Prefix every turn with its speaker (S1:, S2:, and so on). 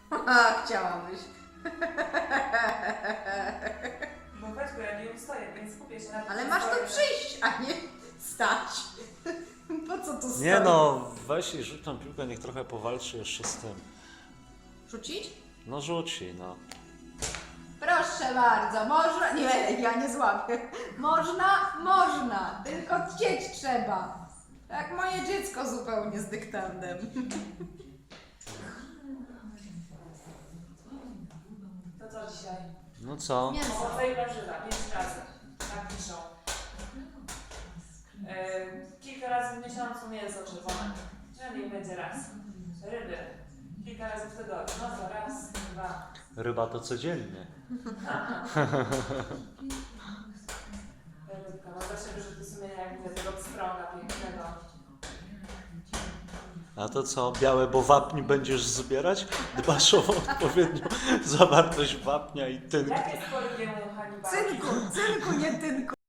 S1: A, chciałabyś.
S2: Bo Petku, ja nie ustoję, więc skupię się na tym.
S1: Ale masz tu przyjść, a nie stać. Po co tu stać?
S3: Nie no, weź i rzuć tą piłkę, niech trochę powalczy jeszcze z tym.
S1: Rzucić?
S3: No rzuci, no.
S1: Proszę bardzo, można. Nie, ja nie złapię. Można, można. Tylko chcieć trzeba. Jak moje dziecko zupełnie z dyktandem.
S2: To co dzisiaj?
S3: No co?
S1: Mięso.
S2: Owoce i warzywa, 5 razy. Tak piszą. Kilka razy w miesiącu mięso czerwone. No niech będzie raz. Ryby. Kilka razy w tygodniu. No to raz, dwa.
S3: Ryba to codziennie.
S2: Rybka. Mam zawsze wyrzuty sumienia, jak widzę tego pstrąga pięknego.
S3: A to co, białe, bo wapń będziesz zbierać? Dbasz o odpowiednią zawartość wapnia i tynku.
S2: Jakie jest polubie u Hannibala?
S1: Cynku, nie tynku.